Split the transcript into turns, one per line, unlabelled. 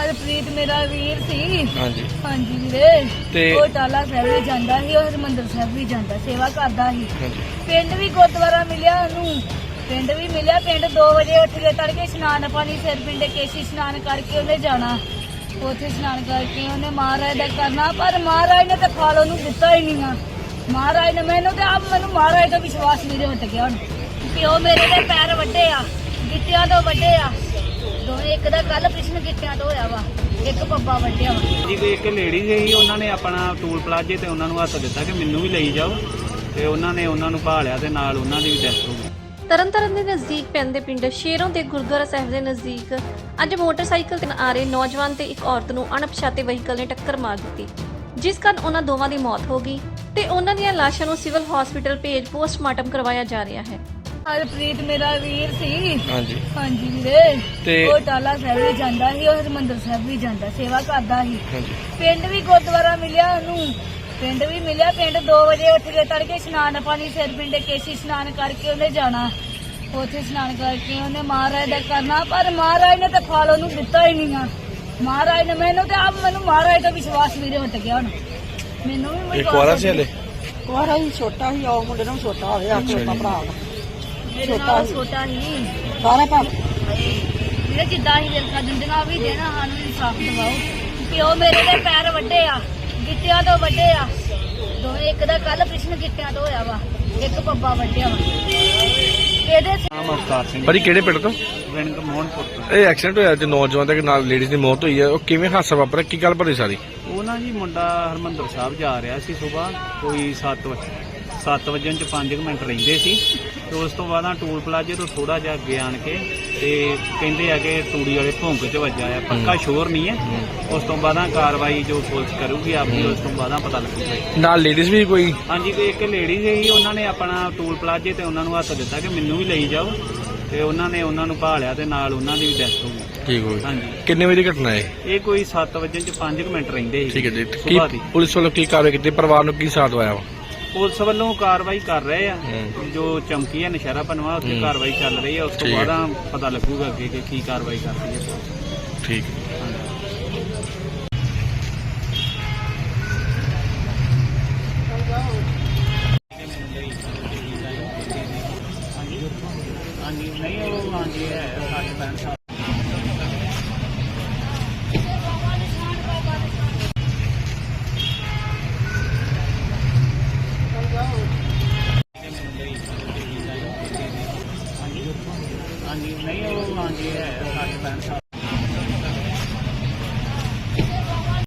ਹਰਪ੍ਰੀਤ ਮੇਰਾ ਵੀਰ ਸੀ।
ਹਾਂਜੀ
ਹਾਂਜੀ ਵੀਰੇ,
ਤੇ
ਉਹ ਟਾਲਾ ਸਾਹਿਬ ਵੀ ਜਾਂਦਾ ਸੀ, ਉਹ ਹਰਮੰਦਰ ਸਾਹਿਬ ਵੀ ਜਾਂਦਾ, ਸੇਵਾ ਕਰਦਾ ਸੀ।
ਹਾਂਜੀ
ਪਿੰਡ ਵੀ ਗੁਰਦੁਆਰਾ ਮਿਲਿਆ ਉਹਨੂੰ, ਪਿੰਡ ਵੀ ਮਿਲਿਆ। ਪਿੰਡ 2 ਵਜੇ ਉੱਠ ਕੇ ਤੜਕੇ ਇਸ਼ਨਾਨ ਪਾਣੀ ਸਿਰ ਪਿੰਡੇ ਕੇਸ਼ੀ ਇਸ਼ਨਾਨ ਕਰਕੇ ਉਹਨੇ ਜਾਣਾ। ਉੱਥੇ ਇਸ਼ਨਾਨ ਕਰਕੇ ਉਹਨੇ ਮਹਾਰਾਜ ਦਾ ਕਰਨਾ, ਪਰ ਮਹਾਰਾਜ ਨੇ ਤਾਂ ਫਲ ਉਹਨੂੰ ਦਿੱਤਾ ਹੀ ਨਹੀਂ ਆ। ਮਹਾਰਾਜ ਨੇ ਮੈਨੂੰ ਮਹਾਰਾਜ ਤੋਂ ਵਿਸ਼ਵਾਸ ਨਹੀਂ ਹਟ ਗਿਆ ਹੁਣ। ਪਿਓ ਮੇਰੇ ਦੇ ਪੈਰ ਵੱਡੇ ਆ, ਗਿੱਟਿਆਂ ਤੋਂ ਵੱਡੇ ਆ ਦੋਵੇਂ। ਇੱਕ ਦਾ ਕੱਲ ਕ੍ਰਿਸ਼ਨ ਗਿੱਟਿਆਂ ਤੋਂ ਹੋਇਆ ਵਾ, ਇੱਕ ਪੱਪਾ ਵੱਡਿਆ ਵਾ
ਜੀ। ਕੋਈ ਇੱਕ ਲੇਡੀ ਸੀ, ਉਹਨਾਂ ਨੇ ਆਪਣਾ ਟੂਲ ਪਲਾਜੇ ਤੇ ਉਹਨਾਂ ਨੂੰ ਹੱਥ ਦਿੱਤਾ ਕਿ ਮੈਨੂੰ ਵੀ ਲਈ ਜਾਓ, ਤੇ ਉਹਨਾਂ ਨੇ ਉਹਨਾਂ ਨੂੰ ਭਾਲਿਆ ਤੇ ਨਾਲ ਉਹਨਾਂ ਦੀ ਵੀ ਡੈਥ ਹੋ ਗਈ।
ਤਰਨਤਾਰਨ ਦੇ ਨਜ਼ਦੀਕ ਪੈਂਦੇ ਪਿੰਡ ਸ਼ੇਰੋਂ ਦੇ ਗੁਰਦੁਆਰਾ ਸਾਹਿਬ ਦੇ ਨਜ਼ਦੀਕ ਅੱਜ ਮੋਟਰਸਾਈਕਲ ਤੇ ਆ ਰਹੇ ਨੌਜਵਾਨ ਤੇ ਇੱਕ ਔਰਤ ਨੂੰ ਅਣਪਛਾਤੇ ਵਹੀਕਲ ਨੇ ਟੱਕਰ ਮਾਰ ਦਿੱਤੀ, ਜਿਸ ਕਾਰਨ ਉਹਨਾਂ ਦੋਵਾਂ ਦੀ ਮੌਤ ਹੋ ਗਈ ਤੇ ਉਹਨਾਂ ਦੀਆਂ ਲਾਸ਼ਾਂ ਨੂੰ ਸਿਵਲ ਹਸਪੀਟਲ ਭੇਜ ਪੋਸਟਮਾਰਟਮ ਕਰਵਾਇਆ ਜਾ ਰਿਹਾ ਹੈ।
ਹਰਪ੍ਰੀਤ ਮੇਰਾ ਵੀਰ ਸੀ।
ਹਾਂਜੀ
ਹਾਂਜੀ ਵੀਰੇ,
ਤੇ
ਉਹ ਟਾਲਾ ਸਾਹਿਬ ਵੀ ਜਾਂਦਾ ਸੀ, ਉਹ ਹਰਮੰਦਰ ਸਾਹਿਬ ਵੀ ਜਾਂਦਾ, ਸੇਵਾ ਕਰਦਾ ਸੀ।
ਹਾਂਜੀ
ਪਿੰਡ ਵੀ ਗੁਰਦੁਆਰਾ ਮਿਲਿਆ ਉਹਨੂੰ, ਪਿੰਡ ਵੀ ਮਿਲਿਆ। ਪਿੰਡ 2 ਵਜੇ ਉੱਠ ਕੇ ਤੜਕੇ ਇਸ਼ਨਾਨ ਪਾਣੀ ਸਿਰ ਪਿੰਡੇ ਕੇਸ਼ੀ ਇਸ਼ਨਾਨ ਕਰਕੇ ਉਹਨੇ ਜਾਣਾ। ਉੱਥੇ ਇਸ਼ਨਾਨ ਕਰਕੇ ਉਹਨੇ ਮਹਾਰਾਜ ਦਾ ਕਰਨਾ, ਪਰ ਮਹਾਰਾਜ ਨੇ ਤਾਂ ਫਲ ਉਹਨੂੰ ਦਿੱਤਾ ਹੀ ਨਹੀਂ ਆ। ਮਹਾਰਾਜ ਨੇ ਮੈਨੂੰ ਮਹਾਰਾਜ ਤੋਂ ਵਿਸ਼ਵਾਸ ਨਹੀਂ ਹਟ ਗਿਆ ਹੁਣ। ਮੈਨੂੰ ਵੀ
ਇੱਕ ਵਾਰਾ ਸੀ ਹਲੇ
ਕੁਆਰਾ ਹੀ ਛੋਟਾ ਹੀ, ਉਹ ਮੁੰਡੇ ਨੂੰ ਛੋਟਾ ਹੋਵੇ, ਆ ਛੋਟਾ ਭਰਾ ਵਾ।
ਮੇਰੇ ਨਾਲ ਛੋਟਾ ਹੀ
ਸਾਰੇ ਭਰਾ
ਵੀਰੇ, ਜਿੱਦਾਂ ਹੀ ਦਿਲਕਾ ਦਿੰਦੀਆਂ ਵੀ ਦੇਣਾ, ਸਾਨੂੰ ਇਨਸਾਫ ਦਿਵਾਓ। ਪਿਓ ਮੇਰੇ ਦੇ ਪੈਰ ਵੱਡੇ ਆ, ਗਿੱਟਿਆਂ ਤੋਂ ਵੱਡੇ ਆ ਦੋਵੇਂ। ਇੱਕ ਦਾ ਕੱਲ ਕ੍ਰਿਸ਼ਨ ਗਿੱਟਿਆਂ ਤੋਂ ਹੋਇਆ ਵਾ, ਇੱਕ ਪੱਪਾ ਵੱਡਿਆ ਵਾ। ਇਹਦੇ
ਨਾਮ ਅਵਤਾਰ ਸਿੰਘ,
ਭਾਜੀ ਕਿਹੜੇ ਪਿੰਡ ਤੋਂ?
ਵਿੰਗ ਮੋਹਨਪੁਰ ਤੋਂ।
ਇਹ ਐਕਸੀਡੈਂਟ ਹੋਇਆ ਤੇ ਨੌਜਵਾਨ ਦੇ ਨਾਲ ਲੇਡੀਜ਼ ਦੀ ਮੌਤ ਹੋਈ ਹੈ, ਉਹ ਕਿਵੇਂ ਹਾਦਸਾ ਵਾਪਰਿਆ, ਕੀ ਗੱਲ ਭਰੀ ਸਾਰੀ?
ਉਹ ਨਾ ਜੀ ਮੁੰਡਾ ਹਰਮੰਦਰ ਸਾਹਿਬ ਜਾ ਰਿਹਾ ਸੀ ਸਵੇਰ ਕੋਈ 7 ਵਜੇ ਚ 5 ਮਿੰਟ ਰਹਿੰਦੇ ਸੀ, ਤੇ ਉਸ ਤੋਂ ਬਾਅਦ ਟੂਲ ਪਲਾਜੇ ਤੋਂ ਥੋੜਾ ਜਿਹਾ ਅੱਗੇ ਆਣ ਕੇ ਤੇ ਕਹਿੰਦੇ ਆ ਕਿ ਤੂੜੀ ਵਾਲੇ ਭੌਂਕ ਚ ਵੱਜਾ ਆ, ਪੱਕਾ ਸ਼ੋਰ ਨਹੀਂ ਹੈ। ਉਸ ਤੋਂ ਬਾਅਦ ਕਾਰਵਾਈ ਜੋ ਪੁਲਿਸ ਕਰੂਗੀ ਆਪਣੀ, ਉਸ ਤੋਂ ਬਾਅਦ ਪਤਾ ਲੱਗੂਗਾ।
ਨਾਲ ਲੇਡੀਜ਼ ਵੀ ਕੋਈ?
ਹਾਂਜੀ, ਕੋਈ ਇੱਕ ਲੇਡੀ ਸੀ, ਉਹਨਾਂ ਨੇ ਆਪਣਾ ਟੂਲ ਪਲਾਜੇ ਤੇ ਉਹਨਾਂ ਨੂੰ ਹੱਥ ਦਿੱਤਾ ਕਿ ਮੈਨੂੰ ਵੀ ਲਈ ਜਾਓ, ਤੇ ਉਹਨਾਂ ਨੇ ਉਹਨਾਂ ਨੂੰ ਭਾਲਿਆ ਤੇ ਨਾਲ ਉਹਨਾਂ ਦੀ ਵੀ ਡੈਥ ਹੋ ਗਈ।
ਠੀਕ ਹੋ ਗਈ।
ਹਾਂਜੀ,
ਕਿੰਨੇ ਵਜੇ ਦੀ ਘਟਨਾ ਹੈ
ਇਹ ਕੋਈ 7 ਵਜੇ ਚ 5 ਮਿੰਟ ਰਹਿੰਦੇ ਸੀ।
ਠੀਕ ਹੈ ਜੀ। ਕੀ
ਸੁਬਾਹ ਦੀ
ਪੁਲਿਸ ਵੱਲੋਂ ਕੀ ਕਾਰਵਾਈ ਕੀਤੀ, ਪਰਿਵਾਰ ਨੂੰ ਕੀ ਸਾਥ ਆਇਆ ਵਾ?
ਪੁਲਿਸ ਵੱਲੋਂ ਕਾਰਵਾਈ ਕਰ ਰਹੇ ਆ, ਜੋ ਚਮਕੀ ਹੈ ਨਸ਼ਹਿਰਾ ਪਨਵਾ ਉੱਥੇ ਕਾਰਵਾਈ ਚੱਲ ਰਹੀ ਹੈ। ਉਸ ਤੋਂ
ਠੀਕ ਹੈ।
ਬਾਅਦ ਪਤਾ ਲੱਗੂਗਾ ਅੱਗੇ ਕਿ ਕੀ ਕਾਰਵਾਈ ਕਰਦੀ ਹੈ ਪੁਲਿਸ।
ਠੀਕ ਹੈ।